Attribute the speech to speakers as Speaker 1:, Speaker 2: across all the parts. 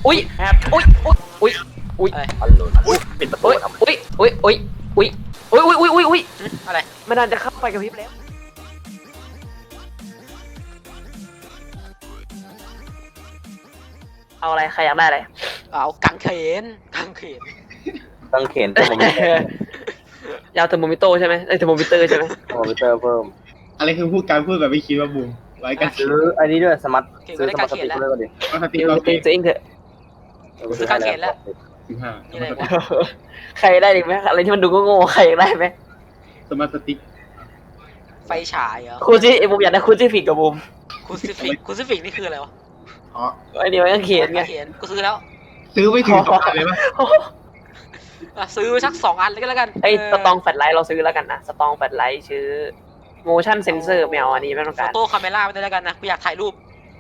Speaker 1: อุ้ยอุ้ยอุ้ยอุ้ย
Speaker 2: อะไร
Speaker 3: อันหลุดปิดประตู
Speaker 1: อุ้ย
Speaker 3: ทำไม
Speaker 1: อุ้ยอุ้ยอุ้ยอุ้ยอุ้ยอุ้ยอุ้ยอุ้ย
Speaker 2: อะไร
Speaker 1: ไม่นานจะเข้าไปกับพริบแล้วเอาอะไรใครอยากได้อะไร
Speaker 2: เอากังเขน
Speaker 3: ต้องเข็นเทอร์โมมิเตอร์
Speaker 1: ยาวเทอร์โมมิโตใช่ไหมเทอร์โมมิเตอร์ใช่ไหม
Speaker 3: เทอร์โมมิเตอร์เพิ่ม
Speaker 4: อะไรคือพูดการพูดแบบไม่คิดว่าบูมไว้กัน
Speaker 3: ซื้ออันนี้ด้วยสมาร์ทซื้อสมาร์ทสติ๊กเกอร์ก็ดี
Speaker 4: เอาสติ
Speaker 1: เดี๋ยว
Speaker 4: เรา
Speaker 1: ตีตัวเองเถอะ
Speaker 2: ซื้อกางเขนแล้ว
Speaker 4: 15
Speaker 2: นี่อะไรวะ
Speaker 1: ใครได้ดีไหมอะไรที่มันดูโง่ๆใครอยากได้ไหม
Speaker 4: สมาร์ทสติ๊ก
Speaker 2: ไฟฉายเหรอ
Speaker 1: คูซี่บูมอยากได้คูซี่ฟิกกับบูม
Speaker 2: คูซิฟิกนี่คืออะไรวะ
Speaker 4: อ๋อ
Speaker 1: ไอ้นี่มันก็เขียนไง
Speaker 2: เขียนกูซื้อแล้ว
Speaker 4: ซื้อไม่ถึง2,000เลยปะ
Speaker 2: ซื้อไปสัก2 อันเลยก็แล้วกัน
Speaker 1: ไอ้สตองแฟลชไลท์เราซื้อแล้วกันนะสตองแฟลชไลท์ชื่อ motion sensor ไม่เอาอันนี้ไม่ต้อง
Speaker 2: โฟ
Speaker 1: การ
Speaker 2: โต้คาเมล่าไปได้แล้วกันนะกูอยากถ่ายรูป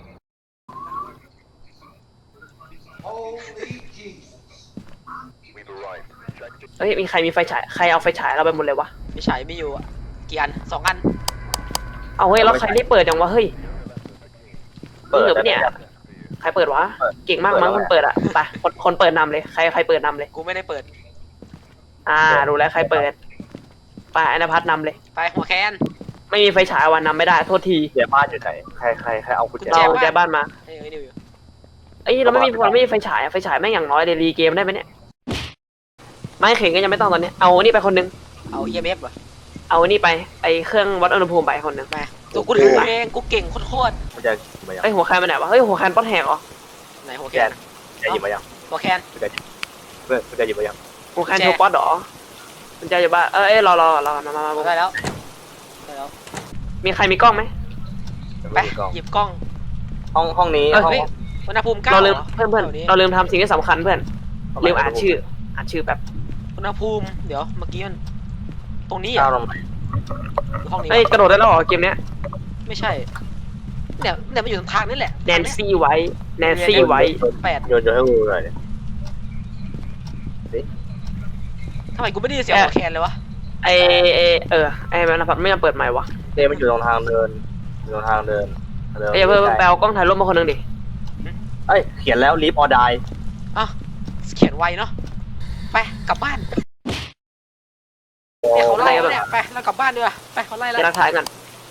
Speaker 1: เฮ้ยมีใครมีไฟฉายใครเอาไฟฉายเราไปหมดเลยวะ
Speaker 2: ไม่ใช่ไม่อยู่อะกี่อัน2 อัน
Speaker 1: เอาเฮ้ยแล้วใครได้เปิดจังวะเฮ้ยนี่เหลือปะเนี่ยใครเปิดวะเก่งมากมั้งคนเปิดอะไปคนเปิดนำเลยใครเปิดนำเลย
Speaker 2: กูไม่ได้เปิด
Speaker 1: รู้แล้วใครเปิดไปอนาพัฒนำเลย
Speaker 2: ไปหัวแคน
Speaker 1: ไม่มีไฟฉายวันนำไม่ได้โทษที
Speaker 3: เดี๋ยวบ้านอยู่ไหนใครเอากุญแจ
Speaker 1: เราแจบ้านมา
Speaker 2: เฮ้ยนิวอยู่
Speaker 1: เอ้ยเราไม่มีไฟฉายอะไฟฉายแม่งอย่างน้อยเลยรีเกมได้ไหมเนี่ยไม่เข่งก็ยังไม่ต้องตอนนี้เอานี่ไปคนนึง
Speaker 2: เอา EMF เหรอ
Speaker 1: เอานี่ไปไอเครื่องวัดอุณหภูมิไปคนนึง
Speaker 2: มาตัวกูถือเองกูเก่งโคตร
Speaker 3: กุญแจมายัง
Speaker 1: เฮ้ยหัวแคนไปไหนวะเฮ้ยหัวแคนป้อนแหกเหรอ
Speaker 2: ๆไหนหัว
Speaker 3: กุญ
Speaker 2: แค
Speaker 3: แจ
Speaker 2: น
Speaker 3: กุญแจหยิบมายัง
Speaker 2: หัวแคน
Speaker 3: กุญแจเพื่อนกุญแจหยิบมายัง
Speaker 1: หัวแคนโชว์ป๊อตเหรอมันจะอยู่บ้านเอ้ยรอมา
Speaker 2: ได้แล้วได้แล้ว
Speaker 1: มีใครมีกล้องไหม
Speaker 2: ไปหยิบกล้อง
Speaker 3: ห้องนี้ห้อง
Speaker 2: เฮ้ยอุณหภูมิ9
Speaker 1: เราลืม
Speaker 2: หรอ
Speaker 1: เพื่อนเราลืมทำสิ่งที่สำคัญเพื่อนลืมอ่านชื่อแบบ
Speaker 2: อุณหภูมิเดี๋ยวเมื่อกี้มันตรงนี้เหร
Speaker 3: ก้า
Speaker 2: อ
Speaker 3: วลงไหน
Speaker 2: หรือห้องนี้
Speaker 1: เอ้ยว
Speaker 2: ะ
Speaker 1: กระโดดได้แล้วเหรอเกมเนี้ย
Speaker 2: ไม่ใช่เนี่ยมันอยู่ตรงทางนี่แหละ
Speaker 1: แนนซี่ไว้แนนซี่ไว้
Speaker 2: 8
Speaker 3: โยนให้กูหน่อย
Speaker 2: ทำไมกูไม่ได้ยินเสียงหัวแคนเลยวะ
Speaker 1: ไอมันพัดไม่มาเปิดใหม่วะ
Speaker 3: เต้มันอยู่ตรงทางเดินอยู่ตรงทางเดิน
Speaker 1: เอ้ยเพื่อนแปลกล้องถ่ายรูปมาคนนึงดิ
Speaker 3: เอ้ยเขียนแล้วลิฟต์ออได
Speaker 2: อ่ะเขียนไวเนาะไปกลับบ้านเนี่ยเขาไล่แล้วเนี่ยไปเรากลับบ้านดีกว่าไปเขาไล่แล้ว
Speaker 1: จะรักทายกัน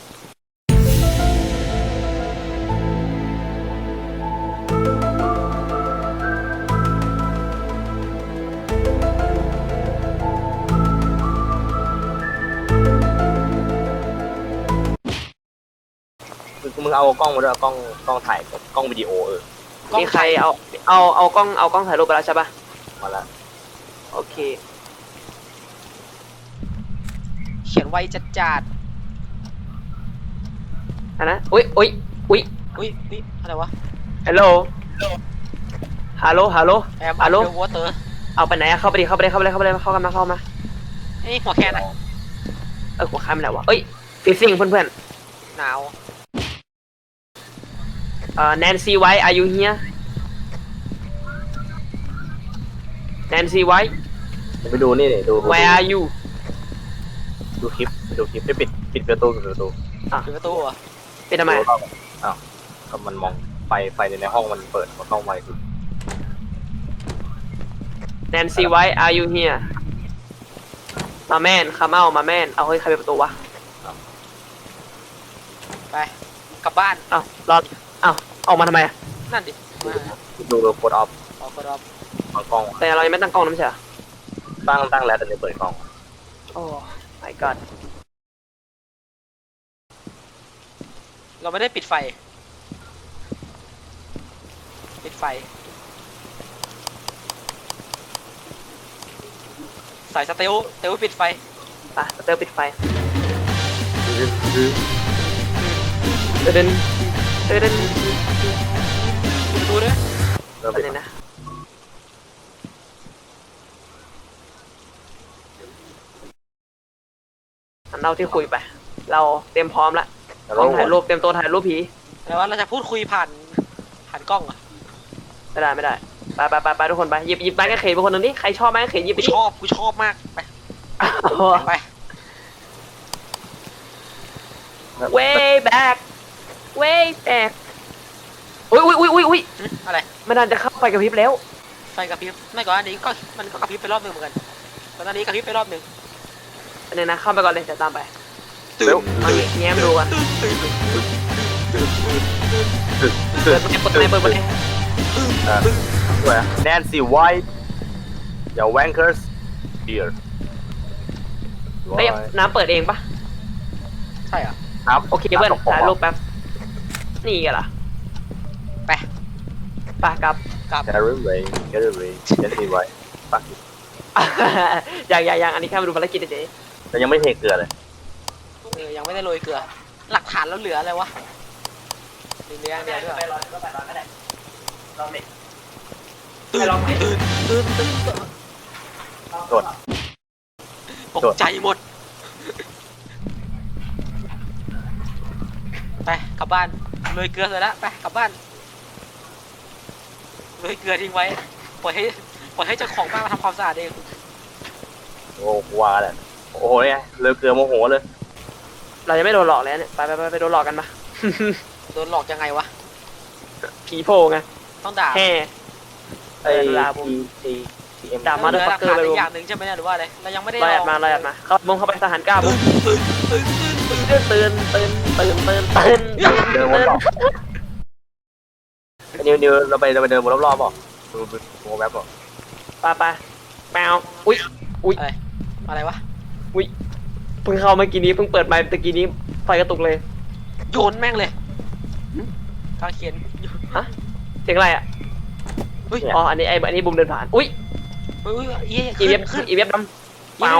Speaker 3: มึงเอากล้องมาด้วยกล้องถ่ายกล้องวิดีโอ
Speaker 1: มีใครเอากล้องถ่ายรูปไปแล้วใช่ปะ
Speaker 3: มาละ
Speaker 1: โอเค
Speaker 2: เขียนไวจัด
Speaker 1: อันนะอุ้ย
Speaker 2: อุ้ยอะไรวะ
Speaker 1: ฮัลโหลฮัลโหล
Speaker 2: แอม
Speaker 1: ฮัลโหล
Speaker 2: เดอะวอเตอร์
Speaker 1: เอาไปไหนอะเข้าไปดิเข้ากันมา
Speaker 2: ไอ้หัวแคนอะ
Speaker 1: หัวข้ามไปไหนวะเอ้ยฟิซซิ่งเพื่อน
Speaker 2: หนาว
Speaker 1: แนนซี่ไว้ are you here แนนซี่ไว้
Speaker 3: ไปดูนี่ดู
Speaker 1: where are you
Speaker 3: ดูคลิปให้ปิดประตู
Speaker 2: ปิดประตูเหรอ
Speaker 1: เป็นทำไม
Speaker 3: อ้าวก็มันมองไฟในห้องมันเปิดมันเข้าไฟคือ
Speaker 1: แนนซี่ไว้ are you here มาแมนคาเมามาแมนเอาเฮ้ยใครเปิดประตูวะ
Speaker 2: ไปกลับบ้าน
Speaker 1: อ้าวรออ้าวออกมาทำไมอะ
Speaker 2: นั่นดิมา
Speaker 3: ดูโคดออฟ
Speaker 2: ออกก็รอบ
Speaker 3: กล้อง
Speaker 1: แต่เรายังไม่ตั้งกล้องนะไม่ใช่เหรอ
Speaker 3: ตั้งแล้วแต่ไม่เปิดกล้อง
Speaker 1: โอ้ my god
Speaker 2: เราไม่ได้ปิดไฟใส่สเตลปิดไฟ
Speaker 1: ไปสเตอร์ปิดไฟเดิน
Speaker 2: ดูด้วย
Speaker 3: เริ่ม
Speaker 1: ไป
Speaker 3: ปิด
Speaker 1: เลยนะอันเราที่คุยไป เราเตรียมพร้อมละกล้องถ่ายรูปเตรียมตัวถ่ายรูปผี
Speaker 2: แต่ว่าเราจะพูดคุยผ่านกล้องอะ
Speaker 1: ไม่ได้ไปทุกคนไปหยิบไม้กางเขนไปคนหนึ่งดิใครชอบไม้กางเขนหยิบไป
Speaker 2: กู
Speaker 1: ดิ
Speaker 2: ชอบมากไป ไป
Speaker 1: way back อุ้ย
Speaker 2: อะไร
Speaker 1: ไม่นานจะเข้าไฟกระพริบแล้ว
Speaker 2: ไฟกระพริบไม่ก่อนอันนี้ก็มันก็กระพริบไปรอบหนึ่งเหมือนกันตอนนี้กระพริบไปรอบหนึ่ง
Speaker 1: อันนี้นะเข้าไปก่อนเลยจะตามไป
Speaker 2: ตื่น
Speaker 1: เอาแง้มดูกัน
Speaker 2: ตื่น
Speaker 1: เปิดไป
Speaker 3: ด้วยแนนซี่ไวท์อย่าแวงเกอร์สเดียร์
Speaker 1: เฮ้ยน้ำเปิดเองปะ
Speaker 2: ใช่เหรอ
Speaker 3: ครับ
Speaker 1: โอเคเพื่อนถ่ายรูปแป๊บนี่ไงล่ะ
Speaker 2: ไป
Speaker 1: ไปกลับ
Speaker 2: กลับ
Speaker 3: แคร์รี่เวย์แคร์รี่เวย์แนนซี่ไวท์ปัก
Speaker 1: อย่างอันนี้แค่มาดูภารกิจเฉย
Speaker 3: แต่ยังไม่เทเกลือเลย
Speaker 2: ยังไม่ได้โรยเกลือ หลักฐานแล้วเหลืออะไรวะมีเนื้อเดียวด้วย
Speaker 1: ไปรอก็ได้ลองเด็ก
Speaker 2: ตื่น
Speaker 3: โดด
Speaker 2: ตกใจหมดไปกลับบ้านโรยเกลือเสร็จแล้วไปกลับบ้านโรยเกลือทิ้งไว้ปล่อยให้เจ้าของบ้านมาทำความสะอาดเอง
Speaker 3: โอ้ว่าแหละโอ้โหเนี่ยเลยเกลือโมโหเลย
Speaker 1: เรายังไม่โดนหลอกเลยเนี่ยไปโดนหลอกกันมา
Speaker 2: โดนหลอกยังไงวะ
Speaker 1: ผีโผล่ไง
Speaker 2: ต้องด่า
Speaker 1: แห่
Speaker 3: ไอ้
Speaker 1: ลาบุ
Speaker 3: ทีเอ็ม
Speaker 1: ด่า
Speaker 2: เหลือหลักฐานอีกอย่างหนึ่งใช่ไหมเนี่ยหรือว่าอะไรเรายังไม่ได้
Speaker 1: ลอยอัดมาเข้าบุ้งเข้าไปทหารกล้าบุ้งตื่น
Speaker 3: เดินวนรอบนิวเราไปเดินวนรอบๆป่ะดูแมปป่ะ
Speaker 1: ไปแมวอุ้ย
Speaker 2: อะไรวะ
Speaker 1: เพิ่งเข้าเมื่อกี้นี้เพิ่งเปิดไมค์ตะกี้นี้ไฟกระตุกเลย
Speaker 2: โยนแม่งเลยกางเขียน
Speaker 1: เสียงอะไรอ่ะ
Speaker 2: เฮ้ย
Speaker 1: อ๋ออันนี้บุ้มเดินผ่านอุ้ย
Speaker 2: เย้
Speaker 1: อีเว็บดำเปล่า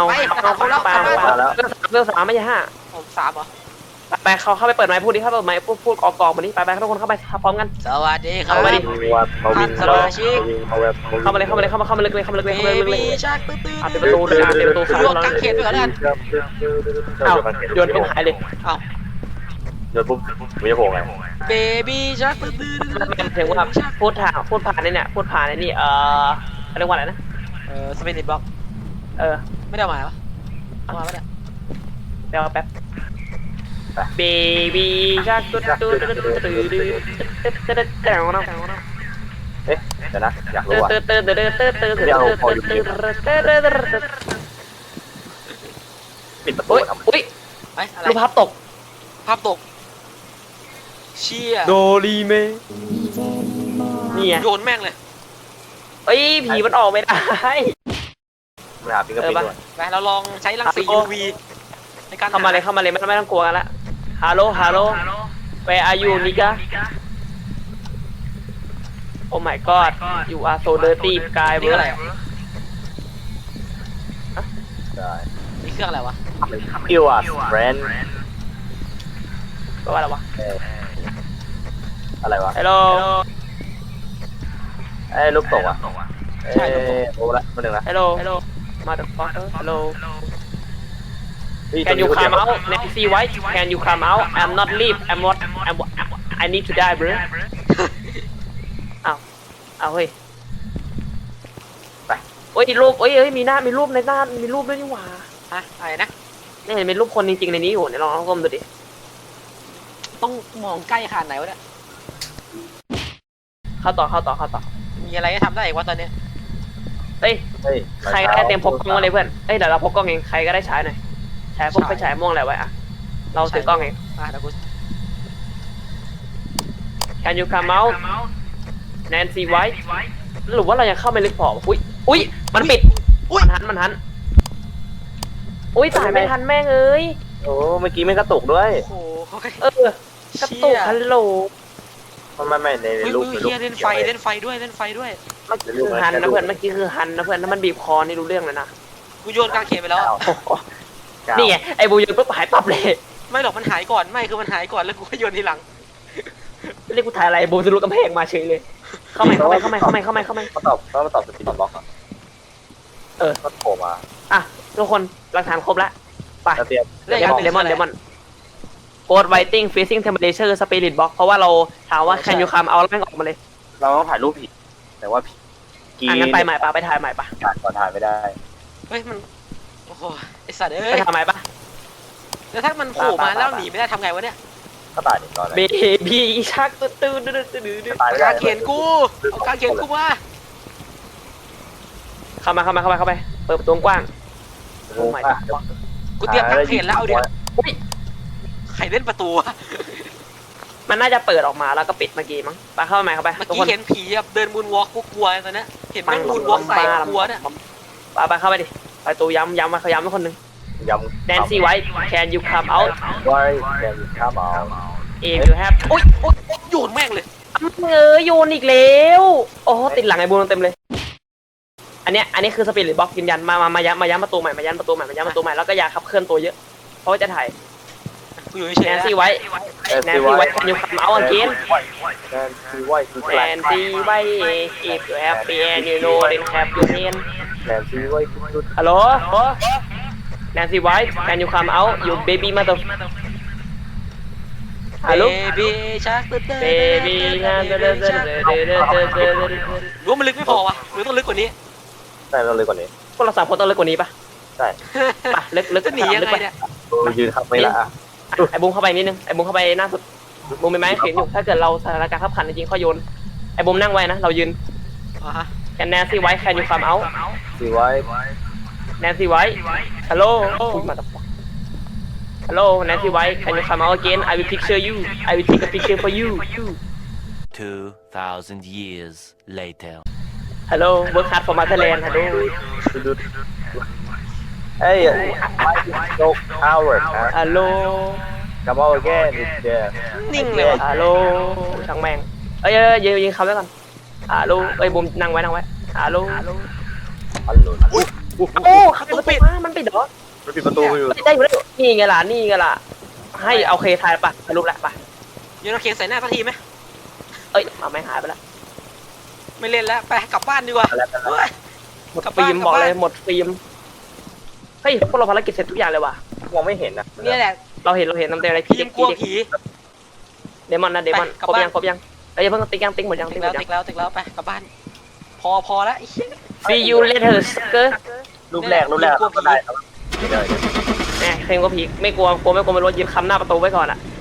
Speaker 1: เรื่องสามไม่ใช่ห้า
Speaker 2: ผม3เหรอ
Speaker 1: ไปเข้าไปเปิดไมค์พูดดิเข้าเปิดไมค์พูดกอกมาดิไปทุกคนเข้าไปพร้อมกัน
Speaker 2: สวัสดีครับ
Speaker 1: เอามาดิ
Speaker 3: มาวินเข้ามาลึกเลย
Speaker 2: มีชักตื้อ
Speaker 1: ปิดประตูเลยปิดประตู
Speaker 2: รวมกางเขนไปก่อนแล้วกัน
Speaker 1: อ้าวโยนเป็นหายเลย
Speaker 2: เอ้า
Speaker 3: โยนปุ๊บไม่จะโผล่ไง
Speaker 2: เบบี้ชักตื้อ
Speaker 1: มันถึงว่าพูดผ่านเนี่ยพูดผ่านในนี่เรียกว่าอะไรนะ
Speaker 2: สเปนิดบล็อก ไม่ได้มาปะเอามาปะเนี่ย
Speaker 1: เดี๋ยวแป๊บ Baby shark
Speaker 3: เอ๊ะเดี๋ยวนะอยากรู้ว่าปิดประตู
Speaker 1: อุ้ย
Speaker 3: ทำไม
Speaker 1: อุ้ย
Speaker 2: ไอ้อะไร
Speaker 1: รูปภาพตก
Speaker 2: ภาพตกเชี่ย
Speaker 1: โดรีเมนี่ไง
Speaker 2: โยนแม่งเลย
Speaker 1: เอ้ยผีมันออกไม่ได้
Speaker 3: ไม่หาฟิงเกอร์ปิ้นด้วย
Speaker 2: ไปเราลองใช้รังสี UV ในการ
Speaker 1: เข้ามาเลยไม่ต้องกลัวกันละฮัลโหล where are you nigga oh my god you are so dirty guy
Speaker 2: นี่อะไร
Speaker 3: ได้
Speaker 2: นี่เครื่องอะไรวะ
Speaker 3: คิวอ่ะแบรนด์
Speaker 1: แปลว่าอะไรวะ
Speaker 3: อะไรวะ
Speaker 1: hello
Speaker 3: ไอ้รูปตกอ่ะโอ้ละมาหนึ่งละ
Speaker 1: hello motherfucker hello Can you come out Nancy White Can you come out I'm not leave I need to die bro เอาเฮ้ย
Speaker 3: ไป
Speaker 1: โอ้ยรูปเอ้ยมีรูปในหน้ามีรูปด้วยนี่หว่า
Speaker 2: ฮะอะไรนะ
Speaker 1: นี่เห็นเป็นรูปคนจริงๆในนี้อยู่เนี่ยลองก้มดูดิ
Speaker 2: ต้องมองใกล้ขนาดไหนวะเนี่ย
Speaker 1: เข้าต่อ
Speaker 2: มีอะไรให้ทำได้อีกวะตอนนี้
Speaker 1: เฮ้ยใครก็ได้เตรียมพกกล้องมาเลยเพื่อนเอ้ยเดี๋ยวเราพกกล้องเองใครก็ได้ฉายหน่อยฉายพวกไฟฉายม่วงอะไรไว้อะเราถือกล้องเอง
Speaker 2: เดี๋ยวกู
Speaker 1: Can you come out Nancy White หรือว่าเรายังเข้าไม่ลึกพออุ้ยมันปิดมันหันอุ้ยตายไม่ทันแม่งเอ้ย
Speaker 3: โอ้เมื่อกี้ไม่กระตุกด้วย
Speaker 2: โอ้โห
Speaker 1: กระตุกฮัลโหล
Speaker 3: ไม่ในรูป
Speaker 2: เฮียเล่นไฟด้วย
Speaker 1: เมื่อกี้คือฮันนะเพื่อนถ้ามันบีบคอนี่รู้เรื่องเลยนะ
Speaker 2: กูโยนกางเขนไปแล้ว
Speaker 1: นี่ไงไอ้บูยนปุ๊บหายปั๊บเลย
Speaker 2: ไม่หรอกมันหายก่อนคือมันหายก่อนแล้วกูก็โยนทีหลัง
Speaker 1: เรียกกูถ่ายอะไรบูจะรู้กำแพงมาเฉยเลยเข้ามา
Speaker 3: เขาตอบสปินบล็อกอ่ะก็โผล่มา
Speaker 1: อ่ะทุกคนหลักฐานครบแล้วไป
Speaker 3: เตรียม
Speaker 1: เลมอนโกดไวติ้งฟีซิ่งเทมเพอเรเชอร์สปิริตบ็อกเพราะว่าเราถามว่าแคนยูคัมเอาแล้วแม่งออกมาเลย
Speaker 3: เราต้องถ่ายรูปผิดแต่ว่ากี
Speaker 1: งั้นไปใหม่ปะไปถ่ายใหม่ปะ
Speaker 3: ก่อนถ่ายไม่ได้
Speaker 2: เฮ้ยมันโอ้โหไอสัตว์
Speaker 1: ไป
Speaker 2: เอ้ย
Speaker 1: ถ่ายใหม่ปะ
Speaker 2: แล้วถ้ามันโผล่มาแล้วหนีไม่ได้ทำไงวะเนี่ย
Speaker 3: ถ้าตายหนึ่งตอนไหน
Speaker 1: เบบีชักตื้อตื้อตื้อตื้อตื้อ
Speaker 3: ตายไม่
Speaker 2: กา
Speaker 3: ได้
Speaker 2: รเขียนกูเอาการเขียนกูมา
Speaker 1: เข้าไปเปิดประตูกว้าง
Speaker 3: โอ้ย
Speaker 2: กูเตรียมกางเขนแล้วเอาเดี๋ยว
Speaker 1: อุ้ย
Speaker 2: ใครเล่นประตูอะ
Speaker 1: มันน่าจะเปิดออกมาแล้วก็ปิดเมื่อกี้มั้งไปเข้าไปเข้าไป
Speaker 2: เมื่อ
Speaker 1: ทุก
Speaker 2: กี้
Speaker 1: คน
Speaker 2: เห็นผีแบบเดินมูนวอล์กกูกลัวตอนนี้เห็นแม่งมูนวอล์กใส่กลัวเนี่ย
Speaker 1: ไปเข้าไปดิไปตูย้ำมาเขาย้ำให้คนหนึ่ง
Speaker 3: ยำ
Speaker 1: แนนซี่ไว้ can you come out
Speaker 3: ไว้แกนข้ามเอา
Speaker 1: if you have
Speaker 2: โอ๊ยโอ๊ยโยนแม่งเลย
Speaker 1: โยนอีกแล้วโอ้ติดหลังไอ้บูมเต็มเลย อันนี้คือสปิริตบ็อกยืนยันมาย้ำประตูใหม่มาย้ำประตูใหม่แล้วก็อย่าขับเคลื่อนตัวเยอะเพราะว่าจะถ่าย
Speaker 2: กูอยู่เฉย
Speaker 1: แน
Speaker 2: ๆ
Speaker 1: น
Speaker 2: นะ
Speaker 1: ซี่ไว้ แนนซี่ไว้ can you come out again
Speaker 3: แนนซีไว้คือแก
Speaker 1: แน
Speaker 3: น
Speaker 1: นซี่ไว้ if you have and you know then have your hand
Speaker 3: แนนซีไว้คือจุด
Speaker 1: ฮัลโหลแนนซี่ไว้ can you come out you baby mother ฮัลโหล
Speaker 2: เบบี้ชัก
Speaker 1: baby งานรู้
Speaker 2: ว่ามันลึกไม่พอวะหรือต้องลึกกว่านี้
Speaker 3: ใช่เราเลยกว่านี้
Speaker 1: พวกเราสามคนต้องเลิกกว่านี้ปะ
Speaker 3: ใช่
Speaker 1: ปะลึก
Speaker 2: จะหนียังไงเนี่ย
Speaker 3: ยืนขับไม่ละ
Speaker 1: ไอ้บุ้มเข้าไปนิดนึงไอ้บุ้มเข้าไปหน้าสุดบุ้มเป็นไม้เขียนอยู่ถ้าเกิดเราสถานการณ์ขับขันจริงๆข้อโยนไอ้บุ้มนั่งไว้นะเรายืน
Speaker 2: อ่าฮะ
Speaker 1: แนนซี่ไว้ can you come out
Speaker 3: ซีไว้
Speaker 1: แนนซี่ไว้ฮัลโหลมาตบฮัลโหลแนนซี่ไว้ can you come out again I will picture you I will take a picture for you
Speaker 5: 2,000 years later.
Speaker 1: ฮัลโหล work hard for motherland ฮัลโหล
Speaker 3: จุดเอ้ยโจ๊กฮาวเวิร์ดนะ
Speaker 1: ฮัลโหล
Speaker 3: Come out again it's there
Speaker 2: นิ่งเลยวะ
Speaker 1: ฮัลโหลช่างแม่งเอ้ยยิงคำแล้วก่อนฮัลโหลเอ้ยบุ้มนั่งไว้ฮัลโหล
Speaker 3: อันหลุด
Speaker 1: โอ้ขับประตูมันปิดเหรอ
Speaker 3: มันปิดประตูอยู่
Speaker 1: ได้อยู่แล้วนี่ไงล่ะให้เอาเคทายปะสรุปแหละปะ
Speaker 2: โยนเอาเขียนใส่หน้าสักทีไหม
Speaker 1: เอ้ยไม่หายไปละ
Speaker 2: ไม่เล่นแล้วไปกลับบ้านดีกว่าเฮ้ย
Speaker 1: หมดฟิล์มบอกเลยหมดฟิล์มเฮ้ยพวกเราภารกิจเสร็จทุกอย่างเลยว่ะ
Speaker 3: มองไม่เห็นนะ
Speaker 2: เนี่ยแหละ
Speaker 1: เราเห็นน้ำเต็มอะไร
Speaker 2: พี่ยังกลัวผี
Speaker 1: เดมอนนะเดมอน
Speaker 2: ไปกลับ
Speaker 1: ครบ
Speaker 2: บ้าน
Speaker 1: ยังเอ้ยเพิ่งติ๊กหมดยัง
Speaker 2: ติ๊กแล้วไปกลับบ้านพอแล้วไอ้เหี้ย
Speaker 1: See you later sucker
Speaker 3: รูปแรกก็ได้ครับ
Speaker 1: แหมเคลมก็ผีไม่กลัวไม่รู้ยืนคำหน้าประตูไว้ก่อนอ่ะ